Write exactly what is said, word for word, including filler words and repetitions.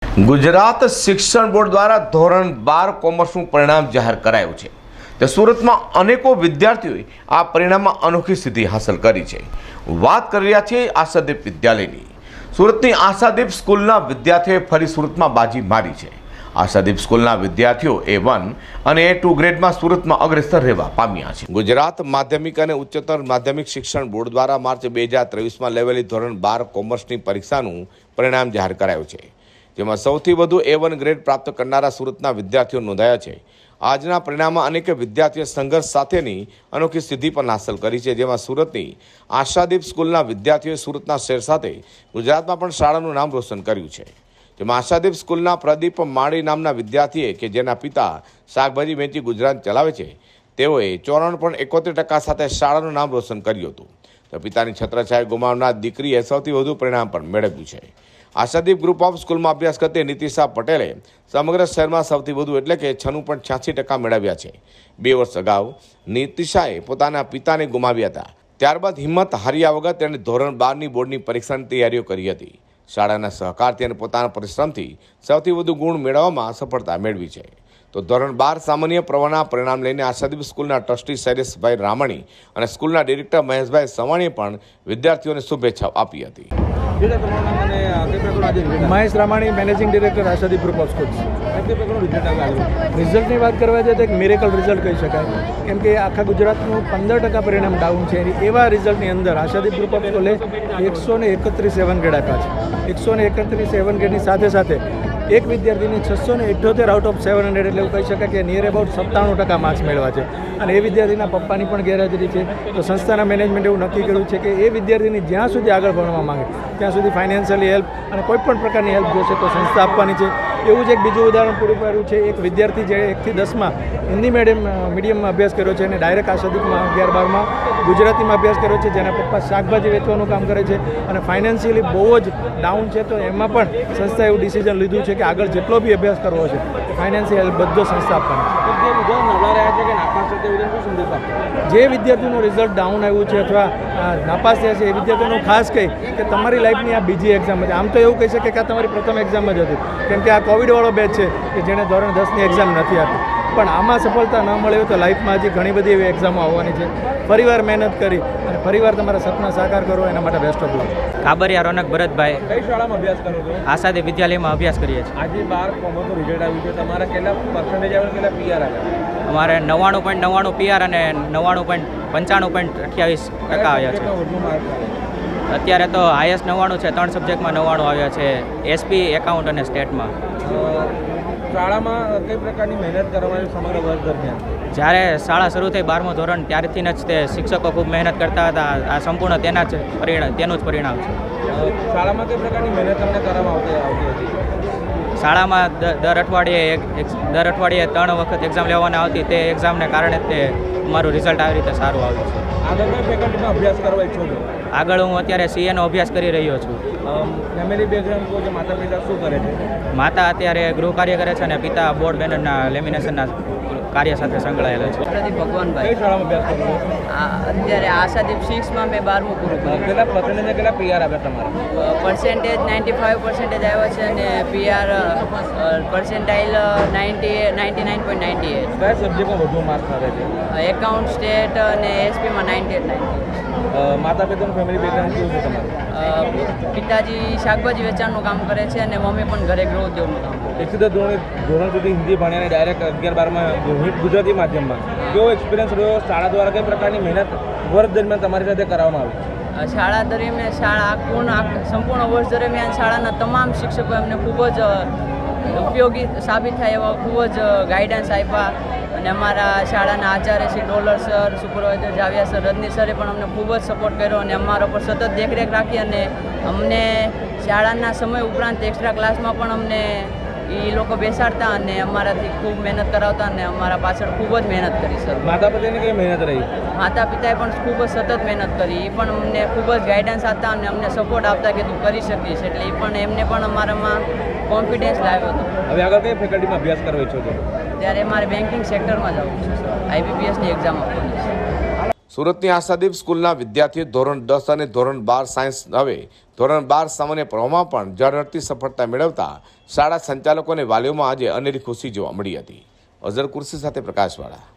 ગુજરાત શિક્ષણ બોર્ડ દ્વારા ધોરણ બાર કોમર્સનું પરિણામ જાહેર કરાયું છે। તે સુરતમાં અનેકો વિદ્યાર્થીઓએ આ પરિણામમાં અનોખી સિદ્ધિ હાંસલ કરી છે। વાત કરી રહ્યા છીએ આશાદીપ વિદ્યાલયની। સુરતની આશાદીપ સ્કૂલના વિદ્યાર્થીઓએ ફરી સુરતમાં બાજી મારી છે। આશાદીપ સ્કૂલના વિદ્યાર્થીઓ એ વન અને એ ટુ ગ્રેડમાં સુરતમાં અગ્રેસર રહેવા પામ્યા છે। ગુજરાત માધ્યમિક અને ઉચ્ચતર માધ્યમિક શિક્ષણ બોર્ડ દ્વારા માર્ચ બે હજાર ત્રેવીસમાં લેવાયેલી ધોરણ બાર કોમર્સની પરીક્ષાનું પરિણામ જાહેર કરાયું છે, જેમાં સૌથી વધુ એ વન ગ્રેડ પ્રાપ્ત કરનારા સુરતના વિદ્યાર્થીઓ નોંધાયા છે। આજના પરિણામમાં અનેક વિદ્યાર્થીઓએ સંઘર્ષ સાથેની અનોખી સિદ્ધિ પણ હાંસલ કરી છે, જેમાં સુરતની આશાદીપ સ્કૂલના વિદ્યાર્થીઓએ સુરતના શહેર સાથે ગુજરાતમાં પણ શાળાનું નામ રોશન કર્યું છે। જેમાં આશાદીપ સ્કૂલના પ્રદીપ માળી નામના વિદ્યાર્થીએ કે જેના પિતા શાકભાજી વેચી ગુજરાન ચલાવે છે, તેઓએ ચોરાણું પોઈન્ટ એકોતેર ટકા સાથે શાળાનું નામ રોશન કર્યું હતું, તો પિતાની છત્રછાયા ગુમાવનાર દીકરીએ સૌથી વધુ પરિણામ પણ મેળવ્યું છે। આશાદીપ ગ્રુપ ઓફ સ્કૂલમાં અભ્યાસ કરતી નીતિશા પટેલે સમગ્ર શહેરમાં સૌથી વધુ એટલે કે છન્નું પોઈન્ટ છ્યાસી ટકા મેળવ્યા છે। બે વર્ષ અગાઉ નીતિશાએ પોતાના પિતાને ગુમાવ્યા હતા, ત્યારબાદ હિંમત હાર્યા વગર તેણે ધોરણ બારની બોર્ડની પરીક્ષાની તૈયારીઓ કરી હતી। શાળાના સહકારથી અને પોતાના પરિશ્રમથી સૌથી વધુ ગુણ મેળવવામાં સફળતા મેળવી છે। તો ધોરણ બાર સામાન્ય પ્રવાહના પરિણામ લઈને આશાદીપ સ્કૂલના ટ્રસ્ટી શૈલેષભાઈ રામાણી અને સ્કૂલના ડિરેક્ટર મહેશભાઈ સવાણીએ પણ વિદ્યાર્થીઓને શુભેચ્છાઓ આપી હતી। Mahesh Ramani, managing director Ashadeep group of schools. રિઝલ્ટની વાત કરવા જાય તો એક મિરેકલ રિઝલ્ટ કહી શકાય, કેમ કે આખા ગુજરાતનું પંદર ટકા પરિણામ ડાઉન છે। એવા રિઝલ્ટની અંદર આશાદીપ ગ્રુપ ઓફ સ્કૂલે એકસો ને એકત્રીસ સેવન ગ્રેડ આપ્યા છે। એકસો ને એકત્રીસ સેવન ગ્રેડની સાથે સાથે એક વિદ્યાર્થીને છસો ને અઠ્યોતેર આઉટ ઓફ સેવન હંડ્રેડ એટલે એવું કહી શકાય કે નિયર અબાઉટ સત્તાણું ટકા માર્ક્સ મેળવ્યા છે, અને એ વિદ્યાર્થીના પપ્પાની પણ ગેરહાજરી છે। તો સંસ્થાના મેનેજમેન્ટ એવું નક્કી કર્યું છે કે એ વિદ્યાર્થીની જ્યાં સુધી આગળ ભણવા માંગે ત્યાં સુધી ફાઇનાન્શિયલી હેલ્પ અને કોઈ પણ પ્રકારની હેલ્પ જોશે તો સંસ્થા આપવાની છે। એવું જ એક બીજું ઉદાહરણ પૂરું પાડ્યું છે। એક વિદ્યાર્થી જે એકથી દસમાં હિન્દી મીડિયમ મીડિયમમાં અભ્યાસ કર્યો છે અને ડાયરેક્ટ આશાદીપમાં અગિયાર બારમાં ગુજરાતીમાં અભ્યાસ કર્યો છે, જેના પપ્પા શાકભાજી વેચવાનું કામ કરે છે અને ફાઇનાન્શિયલી બહુ જ ડાઉન છે। તો એમાં પણ સંસ્થાએ એવું ડિસિઝન લીધું છે કે આગળ જેટલો બી અભ્યાસ કરવો છે ફાઇનાન્શિયલ હેલ્પ બધો સંસ્થા આપવાની છે। જે વિદ્યાર્થીનું રિઝલ્ટ ડાઉન આવ્યું છે અથવા નાપાસ થયા છે એ વિદ્યાર્થીઓનું ખાસ કહી કે તમારી લાઈફની આ બીજી એક્ઝામ હતી। આમ તો એવું કહી શકે કે આ તમારી પ્રથમ એક્ઝામ જ હતી, કેમ કે આ કોવિડવાળો બેચ છે કે જેણે ધોરણ દસની એક્ઝામ નથી આપી, પણ આમાં સફળતા ન મળે તો લાઈફમાં હજી ઘણી બધી એવી એક્ઝામો આવવાની છે। ફરીવાર મહેનત કરી અને ફરીવાર તમારા સપના સાકાર કરો, એના માટે best of luck. Kabariya Ronak Bharatbhai. કઈ શાળામાં અભ્યાસ કરો છો? આશાદીપ વિદ્યાલયમાં અભ્યાસ કરીએ છીએ। આજે બાર કોમર્સનું રિઝલ્ટ આવ્યું છે, તમારા કેટલા પર્સન્ટેજ આવ્યા, કેટલા પીઆર આવ્યા? અમારે નવ્વાણું પોઈન્ટ નવ્વાણું પીઆર અને નવ્વાણું પોઈન્ટ પંચાણું પોઈન્ટ અઠ્યાવીસ ટકા આવ્યા છે। અત્યારે તો હાઈએસ્ટ નવ્વાણું છે, ત્રણ સબ્જેક્ટમાં નવ્વાણું આવ્યા છે, એસપી, એકાઉન્ટ અને સ્ટેટમાં। શાળામાં કઈ પ્રકારની મહેનત કરવાની સમગ્ર વર્ષ દરમિયાન? જ્યારે શાળા શરૂ થઈ બારમું ધોરણ ત્યારથી જ તે શિક્ષકો ખૂબ મહેનત કરતા હતા। આ સંપૂર્ણ તેના જ પરિણામ તેનું જ પરિણામ છે। શાળામાં કઈ પ્રકારની મહેનત તમને કરવામાં આવતી આવતી હતી? શાળામાં દર અઠવાડિયે એક દર અઠવાડિયે ત્રણ વખત એક્ઝામ લેવાના આવતી, તે એક્ઝામને કારણે તે મારું રિઝલ્ટ આવી રીતે સારું આવ્યું છે। આગળ કઈ ફેકલ્ટીમાં અભ્યાસ કરવા ઈચ્છો છો? આગળ હું અત્યારે સીએનો અભ્યાસ કરી રહ્યો છું। ફેમિલી બેકગ્રાઉન્ડ કહો કે માતા પિતા શું કરે છે? માતા અત્યારે ગૃહ કાર્ય કરે છે અને પિતા બોર્ડ બેનરના લેમિનેશનના કાર્ય સાથે સંકળાયેલા છે। આશાદીપ ભગવાનભાઈ। કઈ શાળામાં અભ્યાસ કરો છો? આ અત્યારે આશાદીપ સિક્સમાં મેં બારમું પૂરું કર્યું। કેટલા પર્સન્ટેજ કેટલા પીઆર આવ્યા તમારા? પર્સન્ટેજ નાઇન્ટી ફાઇવ પર્સન્ટેજ આવ્યા છે અને PR percentile ninety ninety nine point ninety eight. કયા સબ્જેક્ટમાં વધુ માર્ક્સ આવે છે? એકાઉન્ટ, સ્ટેટ અને એસપીમાં નાઇન્ટી એટ નાઇન્ટી। માતા પિતાનું ફેમિલી બેકગ્રાઉન્ડ કેવું છે તમારું? પિતાજી શાકભાજી વેચાણનું કામ કરે છે અને મમ્મી પણ ઘરે ગૃહ ઉદ્યોગનું કામ કરે છે। એક સુધી ધોરણ ધોરણ સુધી હિન્દી ભણ્યા અને ડાયરેક્ટ અગિયાર બારમાં ગુજરાતી માધ્યમમાં કેવો એક્સપિરિયન્સ રહ્યો? શાળા દ્વારા કઈ પ્રકારની મહેનત વર્ષ દરમિયાન તમારી સાથે કરવામાં આવી? શાળા દરમિયાન શાળા પૂર્ણ સંપૂર્ણ વર્ષ દરમિયાન શાળાના તમામ શિક્ષકો એમને ખૂબ જ ઉપયોગી સાબિત થાય એવા ખૂબ જ ગાઈડન્સ આપ્યા, અને અમારા શાળાના આચાર્ય Shri Dollar sir, supervisor Javya sir, Rajni સરે પણ અમને ખૂબ જ સપોર્ટ કર્યો અને અમારા પર સતત દેખરેખ રાખી, અને અમને શાળાના સમય ઉપરાંત એક્સ્ટ્રા ક્લાસમાં પણ અમને એ લોકો બેસાડતા અને અમારાથી ખૂબ મહેનત કરાવતા અને અમારા પાછળ ખૂબ જ મહેનત કરી સર। માતા પિતાની કઈ મહેનત રહી? માતા પિતાએ પણ ખૂબ જ સતત મહેનત કરી, એ પણ અમને ખૂબ જ ગાઈડન્સ આપતા અને અમને સપોર્ટ આપતા કે તું કરી શકીશ, એટલે એ પણ એમને પણ અમારામાં કોન્ફિડન્સ લાવ્યો હતો। હવે આગળ કઈ ફેકલ્ટીમાં અભ્યાસ કરવા ઈચ્છો છો? ત્યારે મારે બેન્કિંગ સેક્ટરમાં જવું છે સર, આઈબીપીએસની એક્ઝામ આપવાની છે। સુરતની આશાદીપ સ્કૂલના વિદ્યાર્થીઓ ધોરણ દસ અને ધોરણ બાર સાયન્સ હવે ધોરણ બાર સામાન્ય પ્રવાહમાં પણ ઝળહળતી સફળતા મેળવતા શાળા સંચાલકો અને વાલીઓમાં આજે અનેરી ખુશી જોવા મળી હતી. અઝર કુર્સી સાથે પ્રકાશવાળા.